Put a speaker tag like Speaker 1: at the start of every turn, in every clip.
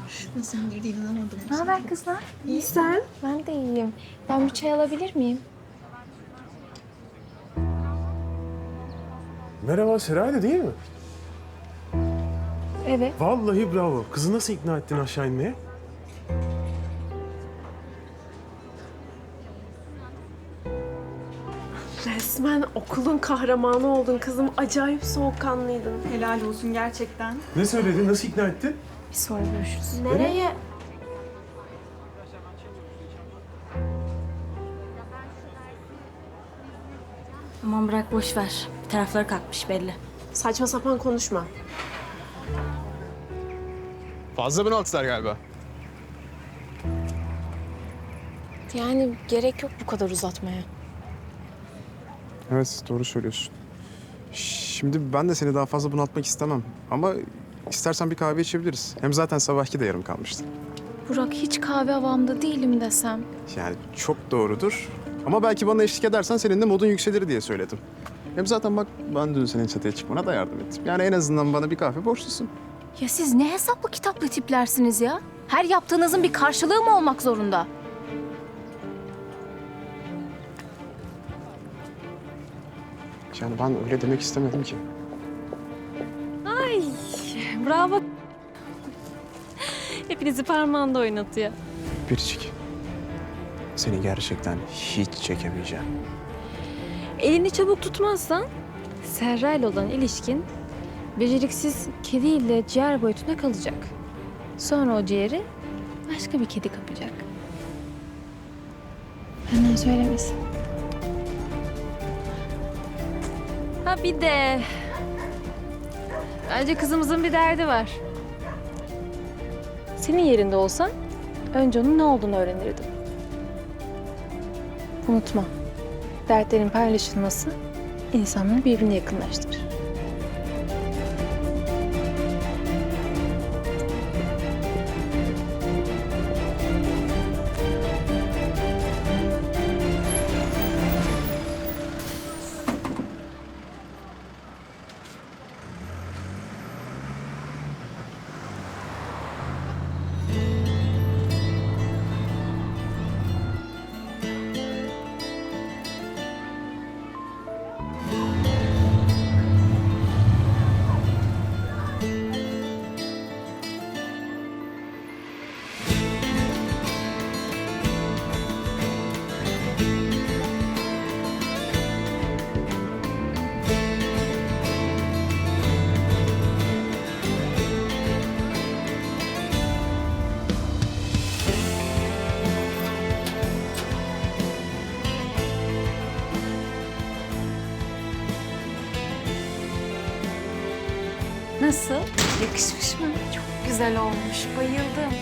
Speaker 1: Nasıldır diye inanamadım.
Speaker 2: Ne haber kızlar?
Speaker 3: İyi sen?
Speaker 2: Ben de iyiyim. Ben bir çay alabilir miyim?
Speaker 4: Merhaba, Seray'dı değil mi?
Speaker 2: Evet.
Speaker 4: Vallahi bravo. Kızı nasıl ikna ettin aşağı inmeye?
Speaker 3: Resmen okulun kahramanı oldun kızım. Acayip soğukkanlıydın.
Speaker 1: Helal olsun gerçekten.
Speaker 4: Ne söyledin, nasıl ikna ettin?
Speaker 2: Bir sonra görüşürüz.
Speaker 3: Nereye?
Speaker 5: Aman bırak boş ver. Bir tarafları kalkmış belli.
Speaker 3: Saçma sapan konuşma.
Speaker 6: Fazla bunaltılar galiba.
Speaker 2: Yani gerek yok bu kadar uzatmaya.
Speaker 6: Evet, doğru söylüyorsun. Şimdi ben de seni daha fazla bunaltmak istemem. Ama istersen bir kahve içebiliriz. Hem zaten sabahki de yarım kalmıştı.
Speaker 2: Burak hiç kahve havamda değilim desem.
Speaker 6: Yani çok doğrudur. Ama belki bana eşlik edersen senin de modun yükselir diye söyledim. Hem zaten bak ben dün senin çatıya çıkmana da yardım ettim. Yani en azından bana bir kahve borçlusun.
Speaker 2: Ya siz ne hesaplı kitaplı tiplersiniz ya? Her yaptığınızın bir karşılığı mı olmak zorunda?
Speaker 6: Yani ben öyle demek istemedim ki.
Speaker 5: Bravo. Hepinizi parmağında oynatıyor.
Speaker 6: Biricik. Seni gerçekten hiç çekemeyeceğim.
Speaker 5: Elini çabuk tutmazsan Serra ile olan ilişkin beceriksiz kediyle ciğer boyutuna kalacak. Sonra o ciğeri başka bir kedi kapacak. Benden söylemesin. Ha bir de bence kızımızın bir derdi var. Senin yerinde olsan önce onun ne olduğunu öğrenirdim. Unutma. Dertlerin paylaşılması insanları birbirine yakınlaştırır. Nasıl? Yakışmış mı? Çok güzel olmuş. Bayıldım.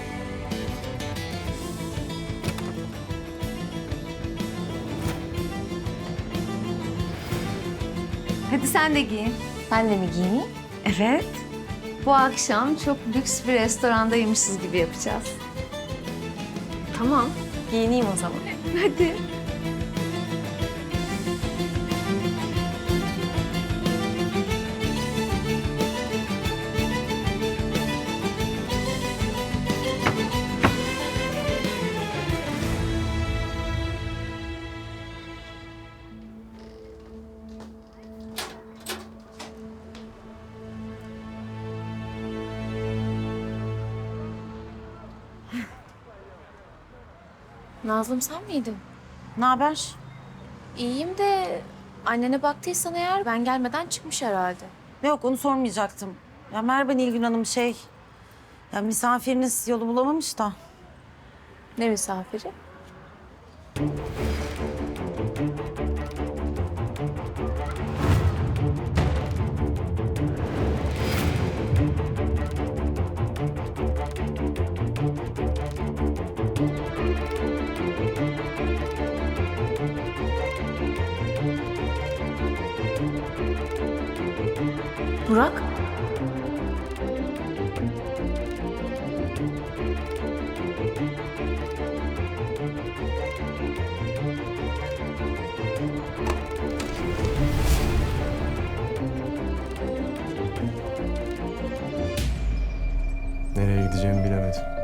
Speaker 7: Hadi sen de giyin.
Speaker 2: Ben de mi giyineyim?
Speaker 7: Evet. Bu akşam çok lüks bir restorandaymışız gibi yapacağız.
Speaker 2: Tamam. Giyineyim o zaman.
Speaker 7: Hadi.
Speaker 2: Nazlım sen miydin?
Speaker 7: Ne haber?
Speaker 2: İyiyim de annene baktıysan eğer ben gelmeden çıkmış herhalde.
Speaker 7: Yok onu sormayacaktım. Ya merhaba Nilgün Hanım Ya misafiriniz yolu bulamamış da.
Speaker 2: Ne misafiri? Burak?
Speaker 4: edeceğimi bilemedim.